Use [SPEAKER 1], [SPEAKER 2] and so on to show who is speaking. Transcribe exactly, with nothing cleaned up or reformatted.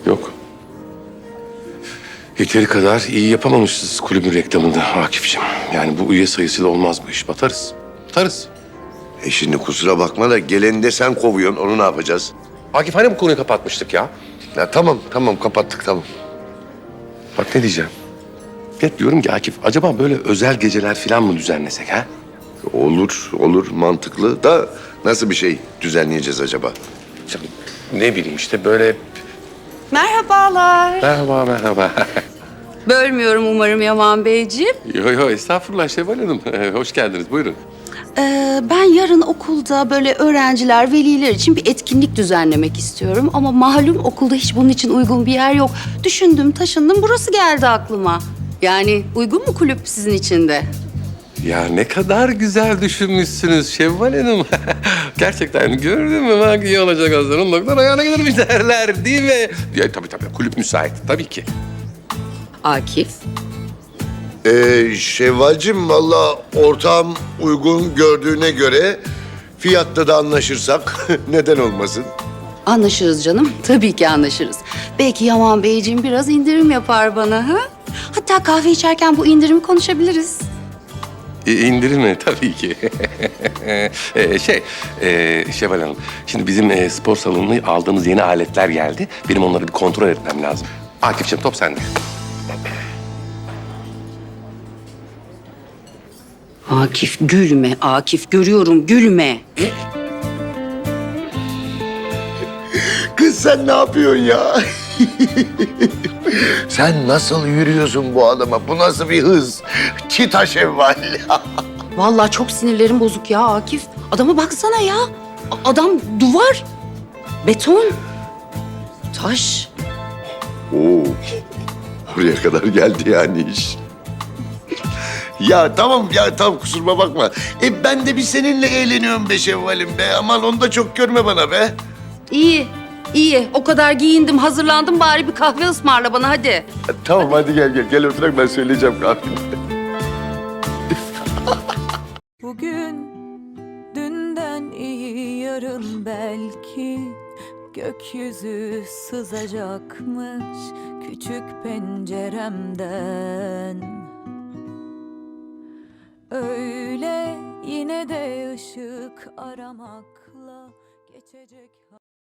[SPEAKER 1] Yok. Yeteri kadar iyi yapamamışız kulübün reklamında Akif'ciğim. Yani bu üye sayısıyla olmaz bu iş. Batarız. Batarız.
[SPEAKER 2] E şimdi kusura bakma da geleni de sen kovuyorsun. Onu ne yapacağız?
[SPEAKER 1] Akif hani bu konuyu kapatmıştık ya?
[SPEAKER 2] Ya tamam tamam kapattık tamam.
[SPEAKER 1] Bak ne diyeceğim. Ya diyorum ki Akif acaba böyle özel geceler falan mı düzenlesek ha?
[SPEAKER 2] Olur olur mantıklı da nasıl bir şey düzenleyeceğiz acaba?
[SPEAKER 1] Canım, ne bileyim işte böyle...
[SPEAKER 3] Merhabalar.
[SPEAKER 1] Merhaba, merhaba.
[SPEAKER 3] Bölmüyorum umarım Yaman Beyciğim.
[SPEAKER 1] Yo yo estağfurullah Şevval Hanım. Hoş geldiniz buyurun.
[SPEAKER 3] Ee, ben yarın okulda böyle öğrenciler, veliler için bir etkinlik düzenlemek istiyorum. Ama malum okulda hiç bunun için uygun bir yer yok. Düşündüm, taşındım, burası geldi aklıma. Yani uygun mu kulüp sizin için de?
[SPEAKER 1] Ya ne kadar güzel düşünmüşsünüz Şevval Hanım. Gerçekten gördün mü bak iyi olacak Hasan'ın doktor ayağına gelirmiş derler değil mi? Ya tabii tabii kulüp müsait tabii ki.
[SPEAKER 3] Akif.
[SPEAKER 2] Ee, Şevvalcim valla ortağım uygun gördüğüne göre fiyatta da anlaşırsak neden olmasın?
[SPEAKER 3] Anlaşırız canım. Tabii ki anlaşırız. Belki Yaman Beyciğim biraz indirim yapar bana ha? Hatta kahve içerken bu indirimi konuşabiliriz.
[SPEAKER 1] E, indirir mi? Tabii ki. e, şey, e, Şevval Hanım, şimdi bizim e, spor salonuna aldığımız yeni aletler geldi. Benim onları bir kontrol etmem lazım. Akif'ciğim top sende.
[SPEAKER 3] Akif gülme, Akif görüyorum gülme.
[SPEAKER 2] Kız sen ne yapıyorsun ya? Sen nasıl yürüyorsun bu adama? Bu nasıl bir hız? Çita Şevval.
[SPEAKER 3] Vallahi çok sinirlerim bozuk ya Akif. Adama baksana ya. A- Adam duvar, beton, taş.
[SPEAKER 2] Oo. Oraya kadar geldi yani iş. Ya tamam ya tamam kusuruma bakma. E ben de bir seninle eğleniyorum be Şevval'im be. Aman onu da çok görme bana be.
[SPEAKER 3] İyi, iyi. O kadar giyindim, hazırlandım. Bari bir kahve ısmarla bana hadi.
[SPEAKER 2] E, tamam hadi gel gel. Gel oturak ben söyleyeceğim kahveni.
[SPEAKER 4] Bugün dünden iyi yarın belki gökyüzü sızacakmış küçük penceremden. Öyle yine de ışık aramakla geçecek.